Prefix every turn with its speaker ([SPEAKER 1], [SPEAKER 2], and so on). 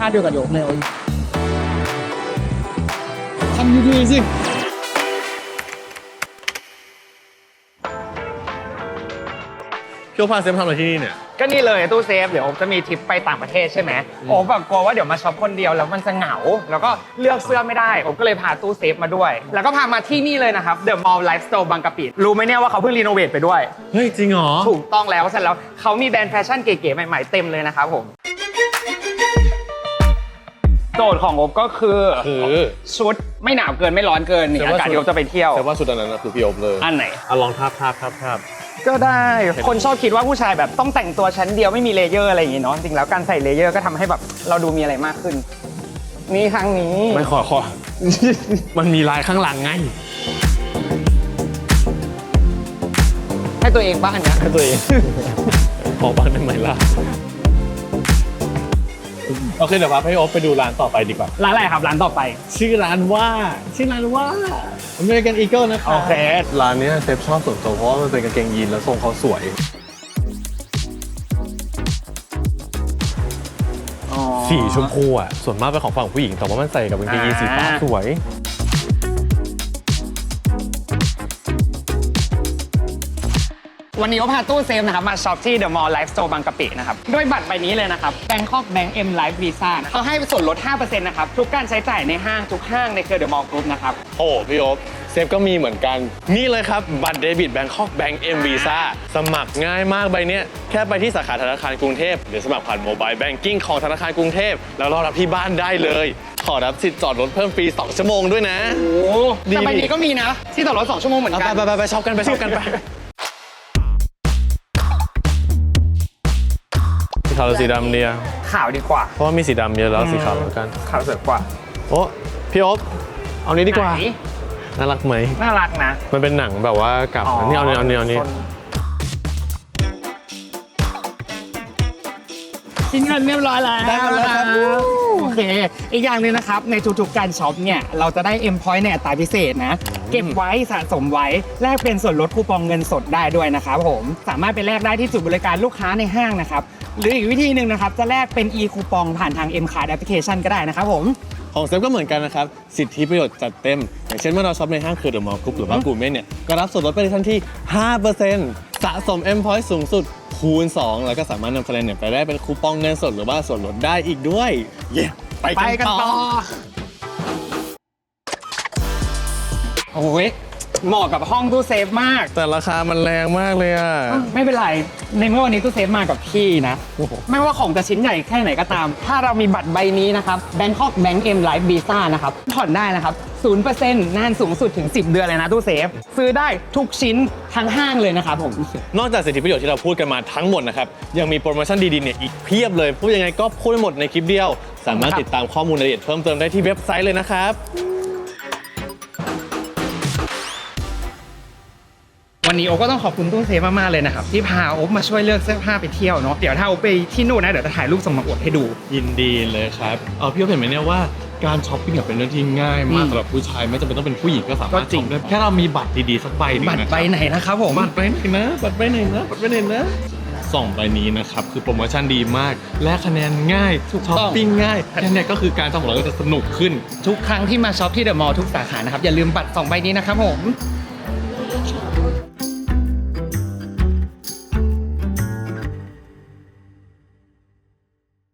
[SPEAKER 1] าเดียวกับโยกเลยทำดีๆสิ
[SPEAKER 2] พี่โอ๊คพาเซฟทำอะไรที่นี่เนี่ย
[SPEAKER 3] ก็นี่เลยตู้เซฟเดี๋ยวจะมีทริปไปต่างประเทศใช่ไหมโอ้แบบกลัวว่าเดี๋ยวมาช็อปคนเดียวแล้วมันจะเหงาแล้วก็เลือกเสื้อไม่ได้ผมก็เลยพาตู้เซฟมาด้วยแล้วก็พามาที่นี่เลยนะครับ The Mall Life Store บางกะปิรู้ไหมเนี่ยว่าเขาเพิ่งรีโนเวทไปด้วย
[SPEAKER 2] เฮ้ยจริงเหรอ
[SPEAKER 3] ถูกต้องแล้วเสร็จแล้วเขามีแบรนด์แฟชั่นเก๋ๆใหม่ๆเต็มเลยนะครับผมโจทย์ของผมก็คือชุดไม่หนาวเกินไม่ร้อนเกินนี่อากาศที่ผมจะไปเที่ยว
[SPEAKER 2] แต่ว่าชุดอันนั้นคือพี่โอ๊คเลย
[SPEAKER 3] อันไหน
[SPEAKER 2] ลองทาบ
[SPEAKER 3] ก็ได้คนชอบคิดว่าผู้ชายแบบต้องแต่งตัวชั้นเดียวไม่มีเลเยอร์อะไรอย่างงี้เนาะจริงแล้วการใส่เลเยอร์ก็ทำให้แบบเราดูมีอะไรมากขึ้นนี่ครั้งนี้
[SPEAKER 2] ไม่ขอ มันมีลายข้างหลังไง
[SPEAKER 3] ให้ตัวเองบ้างอันเนี้ย
[SPEAKER 2] ให้ตัวเอง ขอบ้างได้ไหมล่ะโอเคเดี๋ยวพาพี่โอ๊คไปดูร้านต่อไปดีกว่า
[SPEAKER 3] ร้านอะไรครับร้านต่อไป
[SPEAKER 2] ชื่อร้านว่าAmerican Eagle นะครับ
[SPEAKER 3] โอเค
[SPEAKER 2] ร้านนี้เซฟชอบส่วนตัวเพราะว่ามันเป็นกางเกงยีนแล้วทรงเขาสวยสีชมพูอ่ะส่วนมากเป็นของฝั่งผู้หญิงแต่ว่ามันใส่กับกางเกงยีนสีฟ้าสวย
[SPEAKER 3] วันนี้ก็พาตู้เซฟนะครับมาช็อปที่ The Mall Life Store บางกะปินะครับด้วยบัตรใบนี้เลยนะครับ Bangkok Bank M Life Visa เขาให้ส่วนลด 5% นะครับทุกการใช้จ่ายในห้างทุกห้างในเครือ The Mall Group นะครับ
[SPEAKER 2] โอ้พี่โอ๊คเซฟก็มีเหมือนกันนี่เลยครับบัตรเดบิต Bangkok Bank M Visa สมัครง่ายมากใบนี้แค่ไปที่สาขาธนาคารกรุงเทพหรือสมัครผ่านโมบายแบงกิ้งของธนาคารกรุงเทพแล้วรอรับที่บ้านได้เลยขอรับสิทธิ์จอดรถเพิ่มฟรี2 ชั่วโมงด้วยนะ
[SPEAKER 3] โอ้แต่ใบนี้ก็มีนะที่จอดรถ2 ชั่วโมงเหมือนกัน
[SPEAKER 2] ไปช็อปกันไปสีขาวหรือสีดำเนี่ย
[SPEAKER 3] ขาวดีกว่า
[SPEAKER 2] เพราะว่ามีสีดำเยอะแล้วสีขาวเหมือนกัน
[SPEAKER 3] ขาวสวยกว่า
[SPEAKER 2] โอ้พี่โอ๊คเอานี้ดีกว่าน่ารักไหม
[SPEAKER 3] น่ารักนะ
[SPEAKER 2] มันเป็นหนังแบบว่ากับนี่เอานี้
[SPEAKER 3] ชิ้นเงินเรียบร้อยแล้ว
[SPEAKER 2] ได้แล้วครับ
[SPEAKER 3] โอเคอีกอย่างนึงนะครับในทุกๆการช็อปเนี่ยเราจะได้ M Point ในอัตราพิเศษนะเก็บไว้สะสมไว้แลกเป็นส่วนลดคูปองเงินสดได้ด้วยนะครับผมสามารถไปแลกได้ที่จุดบริการลูกค้าในห้างนะครับหรืออีกวิธีหนึ่งนะครับจะแลกเป็น e คูปองผ่านทาง M Card Application ก็ได้นะครับผม
[SPEAKER 2] ของเซฟก็เหมือนกันนะครับสิทธิประโยชน์จัดเต็มอย่างเช่นเมื่อเราช็อปในห้างคือ The Mall Group หรือว่ากูเม่เนี่ยก็รับส่วนลดไปในทันที 5% สะสม M Point สูงสุดคูณ 2แล้วก็สามารถนำคะแนนเนี่ยไปได้เป็นคูปองเงินสดหรือว่าส่วนลดได้อีกด้วยเย้ไปกันต่อ
[SPEAKER 3] โอ้ยเหมาะกับห้องตู้เซฟมาก
[SPEAKER 2] แต่ราคามันแรงมากเลยอ่ะ
[SPEAKER 3] ไม่เป็นไรในเมื่อวันนี้ตู้เซฟมากับพี่นะไม่ว่าของจะชิ้นใหญ่แค่ไหนก็ตามถ้าเรามีบัตรใบนี้นะครับ Bangkok Bank M Life Visa นะครับผ่อนได้นะครับ 0% นานสูงสุดถึง10 เดือนเลยนะตู้เซฟซื้อได้ทุกชิ้นทั้งห้างเลยนะครับผม
[SPEAKER 2] นอกจากสิทธิประโยชน์ที่เราพูดกันมาทั้งหมดนะครับยังมีโปรโมชั่นดีๆเนี่ยอีกเพียบเลยพูดยังไงก็พูดไม่หมดในคลิปเดียวสามารถติดตามข้อมูลรายละเอียดเพิ่มเติมได้ที่เว็บไซต์เลยนะครับ
[SPEAKER 3] วันนี้โอ๊คก็ต้องขอบคุณตู้เซฟมากๆเลยนะครับที่พาโอ๊คมาช่วยเลือกเสื้อผ้าไปเที่ยวเนาะเดี๋ยวถ้าโอ๊คไปที่นู่นนะเดี๋ยวจะถ่ายรูปส่งมาอวดให้ดู
[SPEAKER 2] ยินดีเลยครับพี่โอ๊คเห็นไหมเนี่ยว่าการช้อปปิ้งเป็นเรื่องที่ง่ายมากสำหรับผู้ชายไม่จำเป็นต้องเป็นผู้หญิงก็สามารถช็อปได้แค่เรามีบัตรดีๆสักใบนึง
[SPEAKER 3] บัตรใบไหนนะครับผม
[SPEAKER 2] บัตรใบไหนนะ2 ใบนี้นะครับคือโปรโมชั่นดีมากและคะแนนง่ายช้อปปิ้งง่ายแค่นี้ก็คือการช้อปของเราก็จะสนุกขึ้น
[SPEAKER 3] ทุกครั้งที่มาช็อปที่เดอะมอลล์ทุกสาขานะครับอย่าลืมบัตร2 ใบนี้นะครับผม